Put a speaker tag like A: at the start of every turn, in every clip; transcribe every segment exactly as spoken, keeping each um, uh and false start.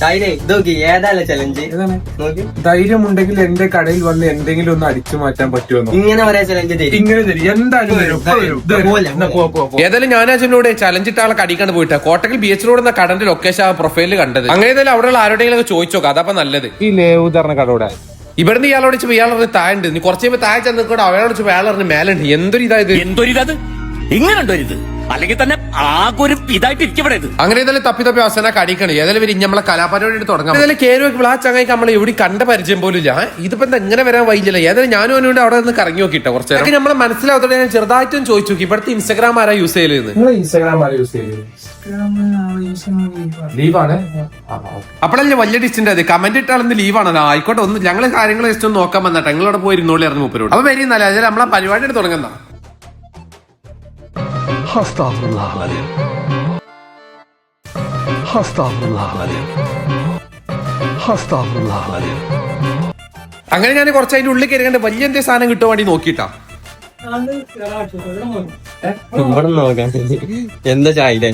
A: ഏതാ ചലഞ്ച്?
B: ധൈര്യമുണ്ടെങ്കിൽ എന്റെ കടയിൽ വന്ന് എന്തെങ്കിലും ഒന്ന് അടിച്ചു മാറ്റാൻ പറ്റുമോ?
A: ഇങ്ങനെ പറയാ ചലഞ്ച് തരും.
B: ഇങ്ങനെ തരും എന്തായാലും തരും. ഇപ്പൊ വരും. ഇത് എന്നാ പോ, പോ, പോ.
C: ഏതായാലും ഞാൻ അച്ഛനോട് ചലഞ്ച് ഇട്ട ആളെ കടിക്കാണ്ട് പോയിട്ടാ കോട്ടക്കൽ ബീച്ച് റോഡ് എന്ന കടന്റെ ലൊക്കേഷൻ ആ പ്രൊഫൈലിൽ കണ്ടത്. അങ്ങനെ ഏതായാലും അവിടെയുള്ള ആരോടെങ്കിലും ചോദിച്ചോക്കാം, അതപ്പോ നല്ലത്.
B: ഈ ലേവുദാരണ കടയുടെ
C: ഇവിടുന്ന് ഇയാളോട് വെച്ചപ്പോ ഇയാളെ താഴെ ഉണ്ട്. നീ കുറച്ച് കഴിയുമ്പോൾ താഴെ ചെന്ന് കൂടെ അയാളോട് വെച്ചപ്പോ അയാളെ മേലുണ്ട്. എന്തൊരു ഇതായത്
D: എന്തൊരിത് ഇങ്ങനെ ഉണ്ടോ ഇത്? അല്ലെങ്കിൽ തന്നെ ആകെ ഒരു ഇതായിട്ട് ഇരിക്കപ്പെടരുത്.
C: അങ്ങനെ ഏതായാലും തപ്പി തപ്പി അവസാനം കടിക്കണം. ഏതായാലും വരും നമ്മളെ കലാപരിപാടി തുടങ്ങാം. ഏതായാലും കയറി വെക്കുമ്പോൾ ആ ചങ്ങായിക്ക് നമ്മൾ എവിടെ കണ്ട പരിചയം പോലും ഇല്ല. ഇതിപ്പോ എന്താ എങ്ങനെ വരാൻ വൈകില്ല. ഏതായാലും ഞാനും അവനോട് അവിടെ നിന്ന് കറങ്ങി നോക്കിട്ടോ കുറച്ച് നേരം. നമ്മളെ മനസ്സിലാവത്തോടെ ഞാൻ ചെറുതായിട്ടും ചോദിച്ചു നോക്കി ഇവിടുത്തെ ഇൻസ്റ്റാഗ്രാം ആരാ യൂസ് ചെയ്യലെന്ന്.
B: ഇൻസ്റ്റാഗ്രാം ആരാ യൂസ് ചെയ്യുന്നത്? ലീവാണ്.
C: അപ്പോഴല്ലേ വലിയ ഡിസ്റ്റന്റ് അത് കമന്റ് ഇട്ടാളെന്ന് ലീവാണ്. ആയിക്കോട്ടെ, ഒന്ന് ഞങ്ങള് കാര്യങ്ങൾ ജസ്റ്റ് ഒന്ന് നോക്കാൻ വന്നിട്ട് ഞങ്ങളോട് പോയി ഇരുന്നോളി ഇറങ്ങി മുപ്പരോട്. അപ്പൊ വരുന്നല്ലേ അതിൽ നമ്മളെ പരിപാടി തുടങ്ങുന്ന അങ്ങനെ ഞാൻ കുറച്ച് അതിന്റെ ഉള്ളിൽ കയറിക്കണ്ട് വലിയ എന്തേ സാധനം കിട്ടുവാൻ വേണ്ടി നോക്കിട്ടാ.
A: ഇവിടെ നോക്കാൻ എന്താ ചായ?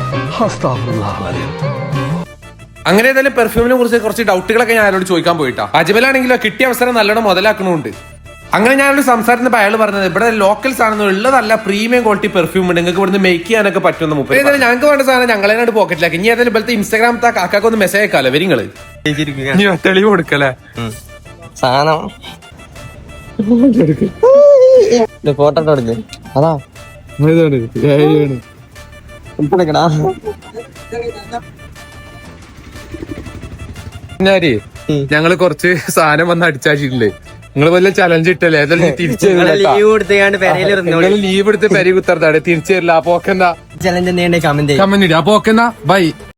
C: അങ്ങനെ ഏതായാലും പെർഫ്യൂമിനെ കുറിച്ച് കുറച്ച് ഡൗട്ടുകളൊക്കെ ഞാൻ അയാളോട് ചോദിക്കാൻ പോയിട്ടാ. അജ്മലാണെങ്കിലോ കിട്ടിയ അവസരം നല്ലോണം മുതലാക്കണമുണ്ട്. അങ്ങനെ ഞാനൊരു സംസാരത്തിന് അയാൾ പറഞ്ഞത് ഇവിടെ ലോക്കൽസ് ആണെന്ന് ഉള്ളതല്ല, പ്രീമിയം ക്വാളിറ്റി പെർഫ്യൂം ഉണ്ട്, നിങ്ങൾക്ക് ഇവിടുന്ന് മേക്ക് ചെയ്യാനൊക്കെ പറ്റുന്ന മുപ്പത്. ഏതായാലും ഞങ്ങൾക്ക് വേണ്ട സാധനം ഞങ്ങളെ പോക്കറ്റിലാക്കി. ഇനി ഏതായാലും ഇപ്പോഴത്തെ ഇൻസ്റ്റാഗ്രാമത്തെ കാക്കാക്ക് ഒന്ന് മെസ്സേജ് അയക്കാലോ വരിങ്ങള്. തെളിവ് കൊടുക്കല്ലേ
A: സാധനം ഫോട്ടോ എടുക്ക്. അതാ
C: ഞാനേ ഞങ്ങള് കുറച്ച് സാധനം വന്ന് അടിച്ചാച്ചിട്ടില്ലേ. നിങ്ങൾ വല്ല ചലഞ്ച് ഇട്ടല്ലേ? ഏതായാലും തിരിച്ചു ലീവ് എടുത്ത് പെരി കുത്തർത്താടെ തിരിച്ചു തരില്ല. അപ്പൊ ഓക്കെന്നാ
A: ചലഞ്ച് കമന്റ്
C: കമന്റ് ഇടുക. അപ്പൊ ഓക്കെന്നാ ബൈ.